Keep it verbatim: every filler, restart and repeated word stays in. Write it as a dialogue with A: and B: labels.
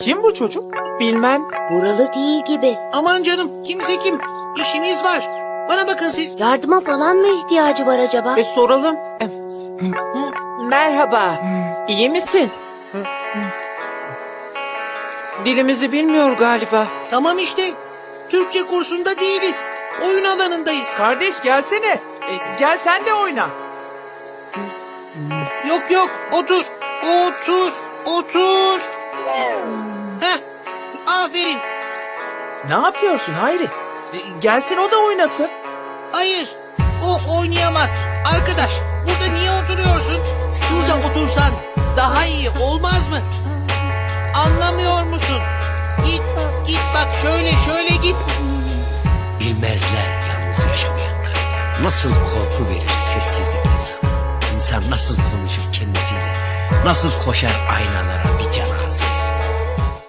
A: Kim bu çocuk? Bilmem.
B: Buralı değil gibi.
C: Aman canım, kimse kim? İşiniz var. Bana bakın siz.
B: Yardıma falan mı ihtiyacı var acaba?
A: E soralım. E, Merhaba. İyi misin? Dilimizi bilmiyor galiba.
C: Tamam işte. Türkçe kursunda değiliz. Oyun alanındayız.
A: Kardeş gelsene. E, gel sen de oyna.
C: Yok yok, otur. Otur. Otur. Heh. Aferin.
A: Ne yapıyorsun Hayri? E, gelsin o da oynasın.
C: Hayır. O oynayamaz. Arkadaş, burada niye oturuyorsun? Şurada otursan daha iyi olmaz mı? Anlamıyor musun? Git, git bak şöyle şöyle git.
D: Bilmezler yalnız yaşamayanlar. Nasıl korku verir sessizlik insana. İnsan nasıl konuşur kendisiyle. Nasıl koşar aynalara bir cana hasret.